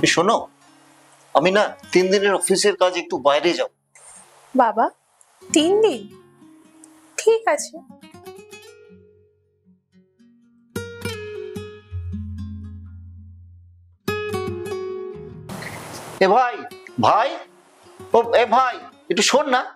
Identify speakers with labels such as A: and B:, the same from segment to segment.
A: শোনো, আমি না 3 দিনের অফিসের কাজ একটু বাইরে যাব।
B: বাবা 3 দিন? ঠিক আছে।
A: এ ভাই, ভাই, ও এ ভাই, একটু শোন না।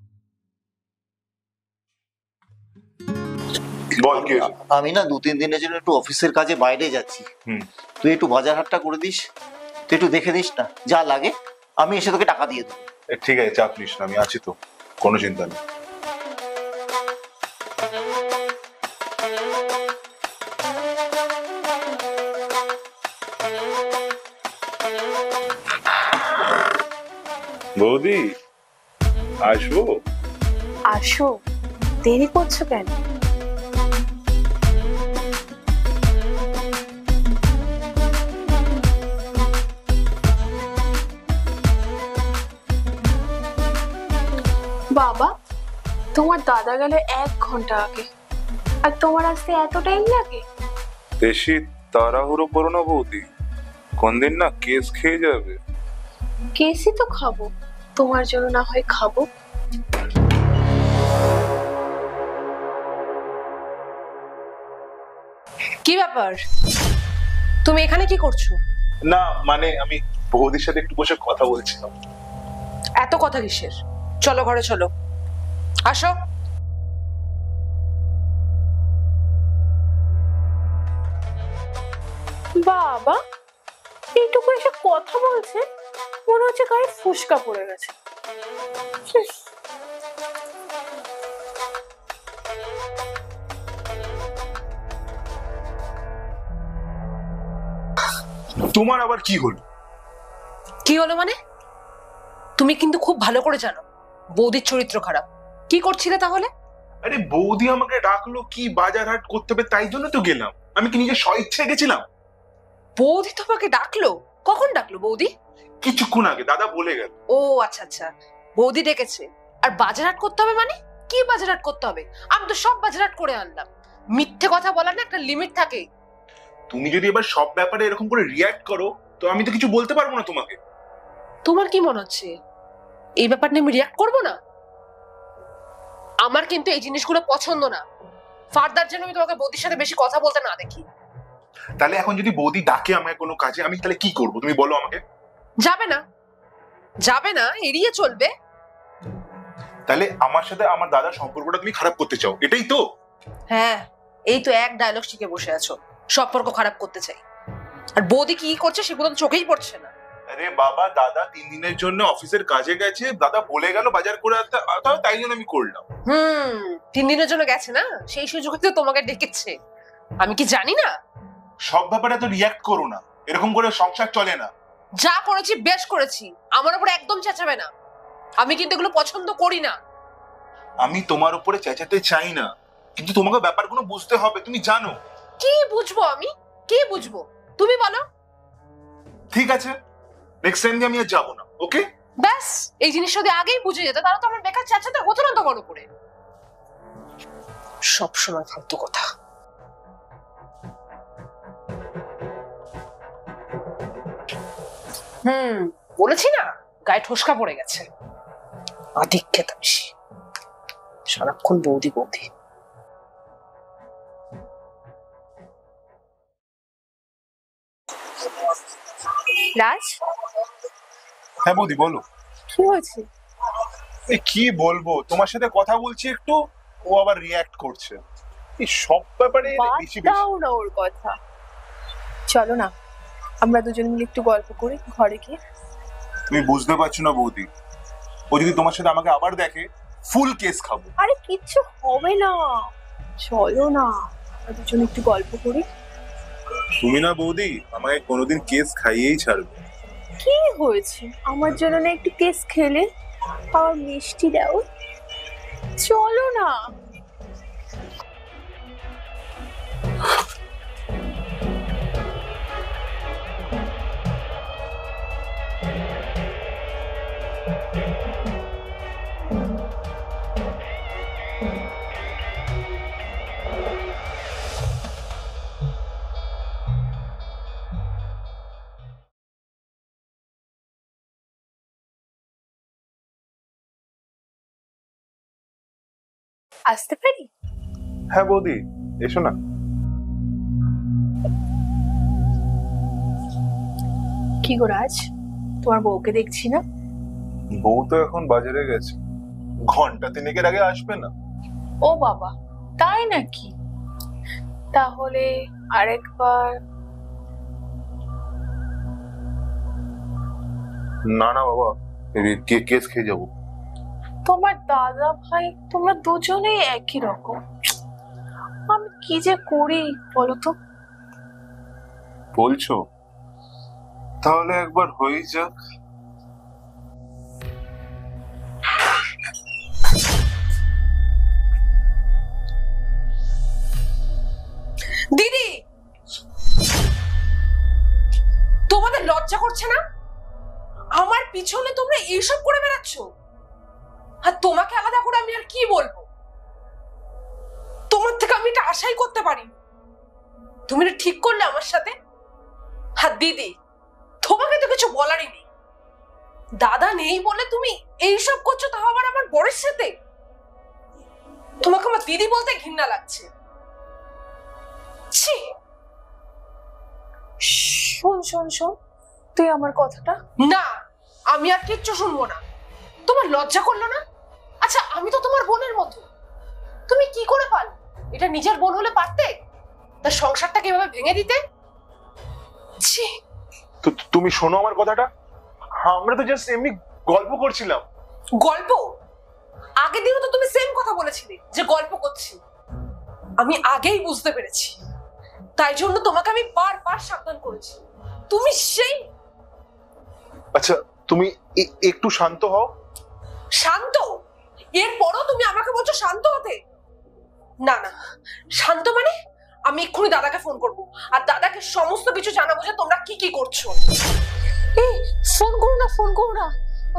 C: বল কি হয়েছে?
A: আমি না 2-3 দিনের জন্য একটু অফিসের কাজে বাইরে যাচ্ছি।
C: হুম।
A: তুই একটু বাজার হাটটা করে দিস, তুই একটু দেখে দিস না, যা লাগে আমি এসে তোকে টাকা দিয়ে দেবো।
C: ঠিক আছে, চাপ নিস না, আমি আছি তো, কোনো চিন্তা নেই। বৌদি, আসবো?
B: আসো, দেরি করছো কেন? বাবা, তোমার দাদা গেলে 1 ঘন্টা আগে, আর তোমার আসতে এত টাইম লাগে?
C: বেশি তাড়াহুড়ো করো না বৌদি, কোন দিন না কেস খেয়ে যাবে।
B: কেসই তো খাবো, তোমার জন্য না হয় খাবো।
D: কি ব্যাপার, তুমি এখানে কি করছো?
C: না মানে আমি বৌদির সাথে একটু বসে কথা বলছিলাম।
D: এত কথা কিসের? চলো ঘরে চলো, আসো।
B: বাবা এইটুকু এসে কথা বলছে, মনে হচ্ছে গায়ে ফুসকা পড়ে গেছে।
C: তোমার আবার কি হলো?
D: কি হলো মানে? তুমি কিন্তু খুব ভালো করে জানো বৌদির চরিত্র খারাপ। কি করছিলে তাহলে?
C: আরে বৌদি আমাকে ডাকলো কি বাজার হাট করতে হবে, তাই জন্য তো গেলাম। আমি কি নিজে স্বইচ্ছে গেছিলাম?
D: বৌদি তোমাকে ডাকলো? কখন ডাকলো বৌদি?
C: কিছুক্ষণ আগে দাদা বলে গেল।
D: ও আচ্ছা আচ্ছা, বৌদি ডেকেছে। আর বাজারহাট করতে হবে মানে? কি বাজারহাট করতে হবে? আমি তো সব বাজারহাট করে আনলাম। মিথ্যে কথা বলার না একটা লিমিট থাকে।
C: তুমি যদি এবার সব ব্যাপারে এরকম করে রিয়াক্ট করো তো আমি তো কিছু বলতে পারবো না তোমাকে।
D: তোমার কি মনে হচ্ছে এই ব্যাপার নিয়ে আমি রিয়াক্ট করবো না? আমার কিন্তু এই জিনিসগুলো পছন্দ না। ফার্দার যেন আমি তোমাকে বৌদির সাথে বেশি কথা বলতে না দেখি।
C: তাহলে এখন যদি বৌদি ডাকে আমায় কোনো কাজে, আমি তাহলে কি করবো তুমি বলো আমাকে।
D: যাবে না, যাবে না, এড়িয়ে চলবে।
C: তাহলে আমার সাথে আমার দাদার সম্পর্কটা তুমি খারাপ করতে চাও, এটাই তো?
D: হ্যাঁ, এই তো এক ডায়লগ শিখে বসে আছো, সম্পর্ক খারাপ করতে চাই। আর বৌদি কি করছে সেগুলো তো চোখেই পড়ছে না।
C: আরে বাবা, দাদা 3 দিনের জন্য অফিসের কাজে গেছে, দাদা বলে গেল বাজার করে আনতে, তাই জন্য আমি করলাম।
D: 3 দিনের জন্য গেছে না, সেই সুযোগে তো তোমাকে ডেকেছে। আমি কি জানি না?
C: সব ব্যাপারে তো রিয়াক্ট করো না, এরকম করে সংসার চলে না।
D: যা করেছি বেশ করেছি, আমার উপর একদম চেঁচাবে না। আমি কিন্তু এগুলো পছন্দ করি না।
C: আমি তোমার উপরে চেঁচাতে চাই না, কিন্তু তোমাকে ব্যাপারগুলো বুঝতে হবে, তুমি জানো।
D: কি বুঝবো আমি? কি বুঝবো তুমি বলো?
C: ঠিক আছে, নেক্সট টাইম আমি আর যাবো না, ওকে?
D: ব্যাস, এই জিনিসটা যদি আগেই বুঝে যেত তাহলে তো আমার বেকার চেঁচাতে হতো না তোমার উপরে। সবসময় ফালতু কথা। বলেছি না, গায়ে ঠোসকা পড়ে গেছে। আধিক্যেতা বেশি, সারাক্ষণ বৌদি বৌদি।
B: রাজ,
C: হ্যাঁ বৌদি বলো।
B: কি হয়েছে?
C: কি বলবো, তোমার সাথে কথা বলছি একটু, ও আবার রিয়াক্ট করছে। এই সব ব্যাপারে বেশি বেশি।
B: দাও না ওর কথা, চলো না আমরা দুজন মিলে একটু গল্প করি ঘরে গিয়ে।
C: তুমি বুঝতে পারছো না বৌদি, ও যদি তোমার সাথে আমাকে আবার দেখে ফুল কেস খাবো।
B: আরে কিচ্ছু হবে না, চলো না আমরা দুজন একটু গল্প করি।
C: তুমি না বৌদি আমাকে কোনোদিন কেস খাইয়েই ছাড়বে।
B: কি হয়েছে, আমার জন্য না একটু কেস খেলে, আর মিষ্টি দাও, চলো না। আসতে পারি?
C: হ্যাঁ বৌদি, এসো না।
B: কি গো রাজ, তোমার বউকে দেখছি না?
C: বউ তো এখন বাজারে গেছে, ঘন্টা তিনেকের আগে আসবে না।
B: ও বাবা, তাই নাকি? তাহলে আরেকবার।
C: না না বাবা, কেস খেয়ে যাবো।
B: তোমার দাদা ভাই তোমরা দুজনেই একই রকম। আমি কি যে করি বলো তো।
C: বলছো? তাহলে একবার হয়েই যাক।
D: দিদি, তোমাদের লজ্জা করছে না? আমার পিছনে তোমরা এইসব করে বেড়াচ্ছ। আর তোমাকে আলাদা করে আমি আর কি বলবো? তোমার থেকে আমি এটা আশাই করতে পারি। তুমি এটা ঠিক করলে আমার সাথে। আর দিদি, তোমাকে তো কিছু বলারই নেই। দাদা নেই বলে তুমি এইসব করছো, তাও আবার আমার বরের সাথে। তোমাকে আমার দিদি বলতে ঘৃণা লাগছে। ছি।
B: শোন শোন শোন, তুই আমার কথাটা।
D: না, আমি আর কিচ্ছু শুনবো না। তোমার লজ্জা করলো না? আচ্ছা, আমি তো তোমার বোনের মতো। তুমি কি করে পারলে? এটা নিজের বোন হলে পারতে? তার সংসারটা কিভাবে ভেঙে দিতে? ছি।
C: তো তুমি শোনো আমার কথাটা। আমরা তো জাস্ট এমনি গল্প করছিলাম।
D: গল্প? আগের দিনও তো তুমি সেম কথা বলেছিলে যে গল্প করছি। আমি আগেই বুঝতে পেরেছি, তাই জন্য তোমাকে আমি বারবার সাবধান করেছি। তুমি সেই।
C: আচ্ছা, তুমি একটু শান্ত হও।
D: শান্ত? এরপরও তুমি আমাকে বলছো শান্ত হতে? না না, শান্ত মানে আমি এক্ষুনি দাদাকে ফোন করব আর দাদাকে সমস্ত কিছু জানাবো যে তোমরা কি কি করছো।
B: এই ফোন করো না, ফোন করো না।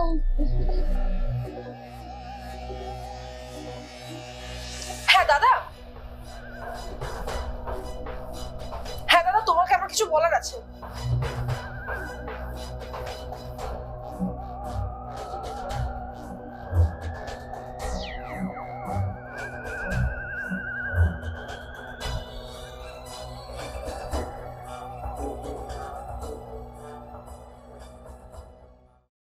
D: হ্যাঁ দাদা, হ্যাঁ দাদা, তোমাকে আমার কিছু বলার আছে।